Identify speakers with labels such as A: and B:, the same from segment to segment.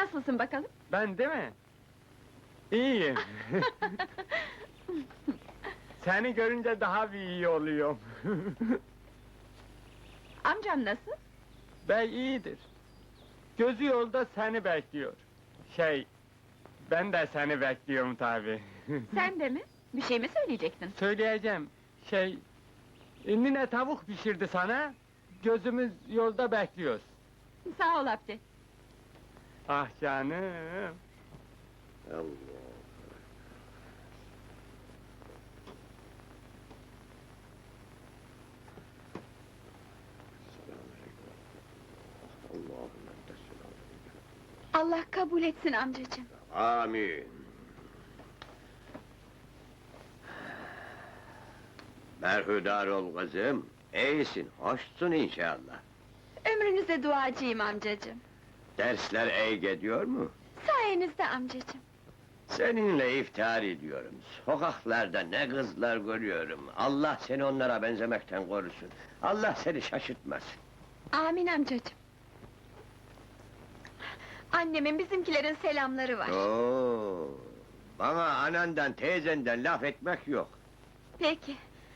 A: Nasılsın bakalım?
B: Ben değil mi? İyiyim. Seni görünce daha bir iyi oluyorum.
A: Amcam nasıl?
B: Bey iyidir. Gözü yolda seni bekliyor. Ben de seni bekliyorum tabi.
A: Sen de mi? Bir şey mi söyleyecektin?
B: Söyleyeceğim, nine tavuk pişirdi sana, gözümüz yolda bekliyoruz.
A: Sağ ol Abdi.
B: Ah canım!
C: Allah! Allahümme
A: Allah kabul etsin amcacığım.
C: Amin! Berhudar ol kızım, iyisin, hoşsun inşallah.
A: Ömrünüze duacıyım amcacığım.
C: Dersler iyi gidiyor mu?
A: Sayenizde amcacığım.
C: Seninle iftihar ediyorum. Sokaklarda ne kızlar görüyorum. Allah seni onlara benzemekten korusun. Allah seni şaşırtmasın.
A: Amin amcacığım. Annemin bizimkilerin selamları var.
C: Oo, bana anandan, teyzenden laf etmek yok.
A: Peki.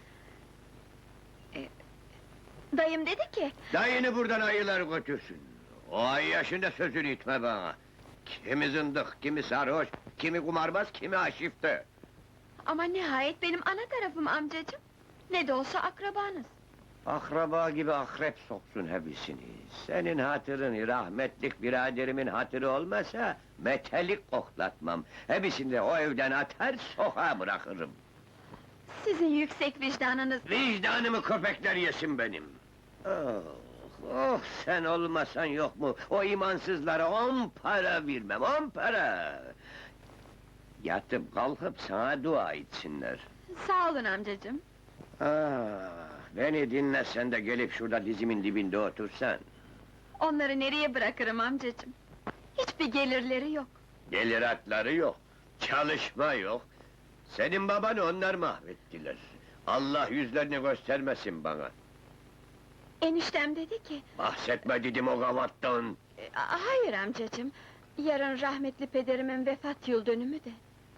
A: Dayım dedi ki...
C: Dayını buradan ayılar götürsün. O ay yaşında sözünü itme bana. Kimi zındık, kimi sarhoş, kimi kumarbaz, kimi aşifte.
A: Ama nihayet benim ana tarafım amcacığım. Ne de olsa akrabanız.
C: Akraba gibi akrep soksun hepsini. Senin hatırın, rahmetlik biraderimin hatırı olmasa... ...metelik koklatmam. Hepsini de o evden atar, sokağa bırakırım.
A: Sizin yüksek vicdanınız...
C: Vicdanımı köpekler yesin benim! Oh, oh, sen olmasan yok mu? O imansızlara 10 para vermem, 10 para! Yatıp kalkıp sana dua etsinler.
A: Sağ olun amcacığım.
C: Ah, beni dinlesen de gelip şurada dizimin dibinde otursan.
A: Onları nereye bırakırım amcacığım? Hiçbir gelirleri yok.
C: Gelir hakları yok, çalışma yok. Senin babanı onlar mahvettiler. Allah yüzlerini göstermesin bana.
A: Eniştem dedi ki...
C: Bahsetme dedim o gavattan.
A: Hayır amcacığım. Yarın rahmetli pederimin vefat yıl dönümü de.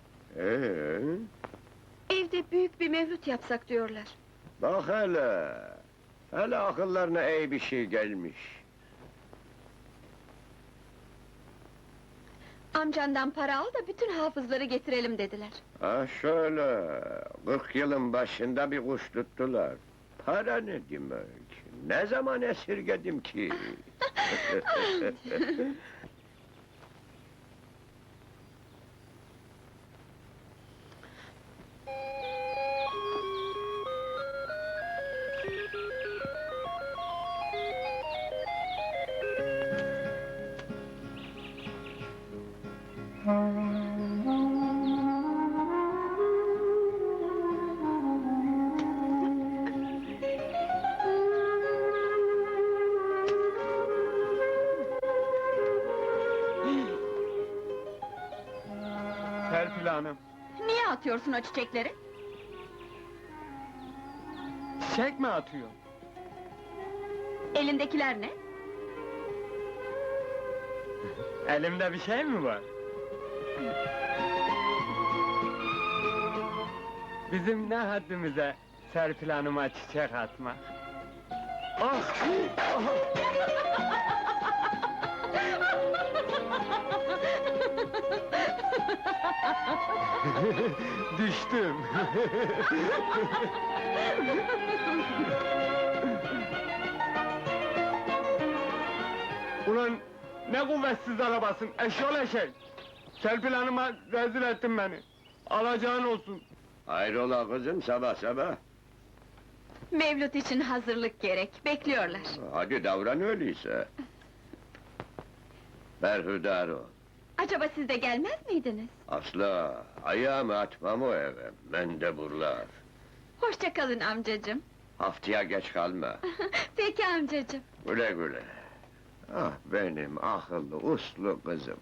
A: Evde büyük bir mevlüt yapsak diyorlar.
C: Bak hele! Hele akıllarına iyi bir şey gelmiş.
A: Amcandan para al da bütün hafızları getirelim dediler.
C: Ha şöyle, 40 yılın başında bir kuş tuttular. Para ne demek? Ne zaman esirgedim ki?
B: Serpil Hanım,
A: Niye atıyorsun o çiçekleri?
B: çiçek mi atıyor?
A: Elindekiler ne?
B: Elimde bir şey mi var? Bizim ne haddimize Serpil Hanım'a çiçek atmak? Ah! Düştüm! Ulan ne kuvvetsiz arabasın, eşyol eşek! Serpil Hanım'a rezil ettin beni! Alacağın olsun!
C: Hayrola kızım sabah sabah?
A: Mevlüt için hazırlık gerek, bekliyorlar.
C: Hadi davran öyleyse. Berhudar ol.
A: Acaba siz de gelmez miydiniz?
C: Asla, ayağımı atmam o eve, mendeburlar.
A: Hoşça kalın amcacığım.
C: Haftaya geç kalma.
A: Peki amcacığım.
C: Güle güle. Ah benim akıllı, uslu kızım.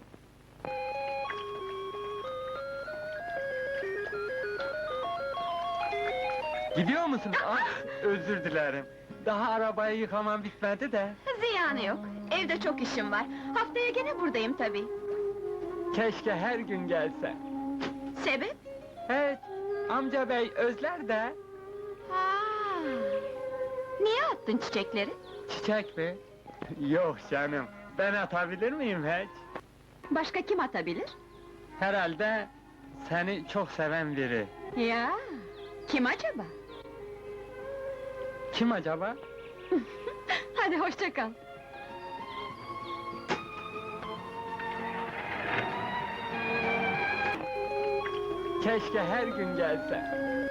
B: Gidiyor musun? Ah, özür dilerim. Daha arabayı yıkamam bitmedi de.
A: Ziyanı yok, evde çok işim var. Haftaya gene buradayım tabii.
B: Keşke her gün gelse.
A: Sebep?
B: Evet, amca bey özler de.
A: Ha. Niye attın çiçekleri?
B: Çiçek mi? Yok canım, ben atabilir miyim hiç?
A: Başka kim atabilir?
B: Herhalde seni çok seven biri.
A: Ya, kim acaba?
B: Kim acaba?
A: Hadi hoşça kal.
B: Keşke her gün gelse.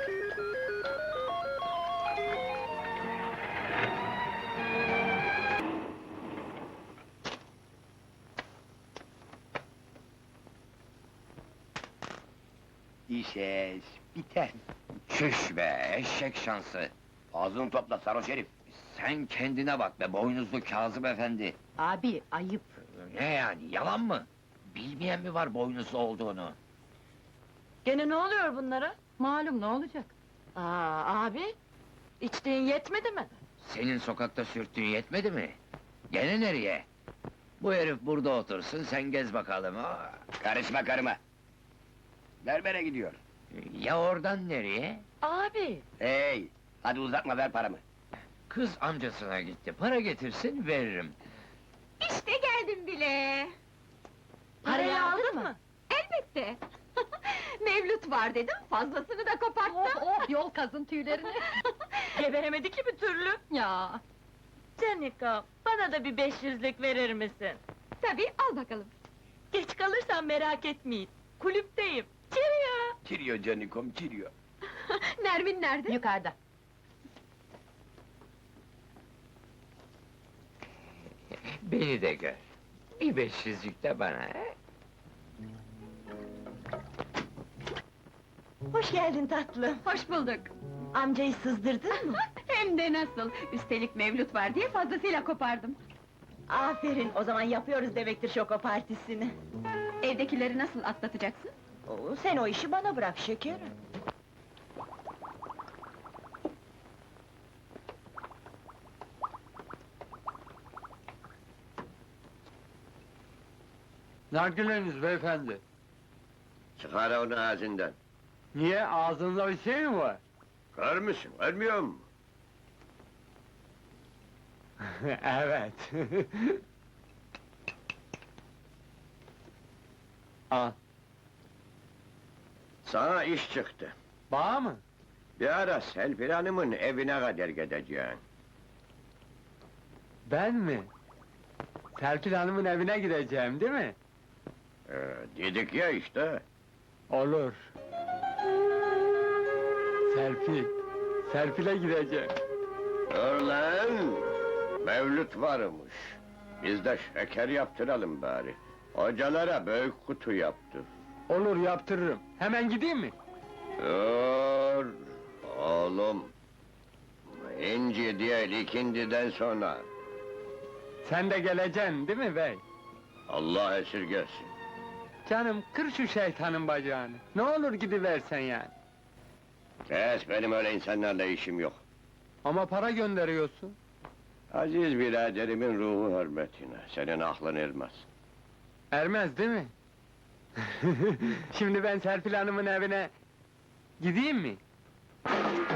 C: İşeş, biter.
D: Çüş be, eşek şansı!
C: Ağzını topla sarhoş herif.
D: Sen kendine bak be, boynuzlu Kazım efendi!
E: Abi, ayıp.
D: Ne yani, yalan mı? Bilmeyen mi var boynuzlu olduğunu?
E: Gene ne oluyor bunlara? Malum, ne olacak? Aa, abi, içtiğin yetmedi mi?
D: Senin sokakta sürttüğün yetmedi mi? Gene nereye? Bu herif burada otursun, sen gez bakalım. Aa,
C: Karışma karıma. Berbere gidiyor.
D: ya oradan nereye?
E: Abi!
C: Hey, hadi uzatma ver paramı.
D: Kız amcasına gitti, para getirsin veririm.
A: İşte geldim bile.
E: Parayı aldın mı?
A: Elbette. Mevlüt var dedim, fazlasını da koparttım.
E: Yol kazın tüylerini! Geberemedi ki bir türlü! Ya! Canika, bana da bir 500'lük verir misin?
A: Tabii, al bakalım.
E: Geç kalırsan merak etmeyin, kulüpteyim. Cheerio!
C: Çiriyor canikom, çiriyor.
A: Nermin nerede?
E: Yukarıda.
D: Beni de gör. Bir 500'lük de bana, he?
E: Hoş geldin tatlım.
A: Hoş bulduk.
E: Amcayı sızdırdın mı?
A: Hem de nasıl? Üstelik Mevlüt var diye fazlasıyla kopardım.
E: Aferin, o zaman yapıyoruz demektir şoko partisini.
A: Evdekileri nasıl atlatacaksın?
E: Oo, sen o işi bana bırak şekerim.
B: Nargileniz beyefendi.
C: Çıkar onu ağzından.
B: Niye, ağzınızda bir şey mi var?
C: Kör müsün, görmüyor musun?
B: Evet. Al,
C: Sana iş çıktı.
B: bağ mı?
C: Bir ara Selfie Hanım'ın evine kadar gideceksin.
B: Ben mi? Serpil Hanım'ın evine gideceğim, değil mi?
C: Dedik ya işte.
B: Olur. Serpil'e gideceğim.
C: Dur lan! Mevlüt varmış. Biz de şeker yaptıralım bari. Hocalara büyük kutu yaptır.
B: Olur, yaptırırım. Hemen gideyim mi?
C: Dur! Oğlum! İnci değil, ikindiden sonra.
B: Sen de geleceksin, değil mi bey?
C: Allah esirgesin.
B: Canım, kır şu şeytanın bacağını. Ne olur gidiversen yani.
C: Kes, benim öyle insanlarla işim yok.
B: Ama para gönderiyorsun.
C: Aziz biraderimin ruhu hürmetine, senin aklın ermez.
B: Ermez, değil mi? Şimdi ben Serpil Hanım'ın evine gideyim mi?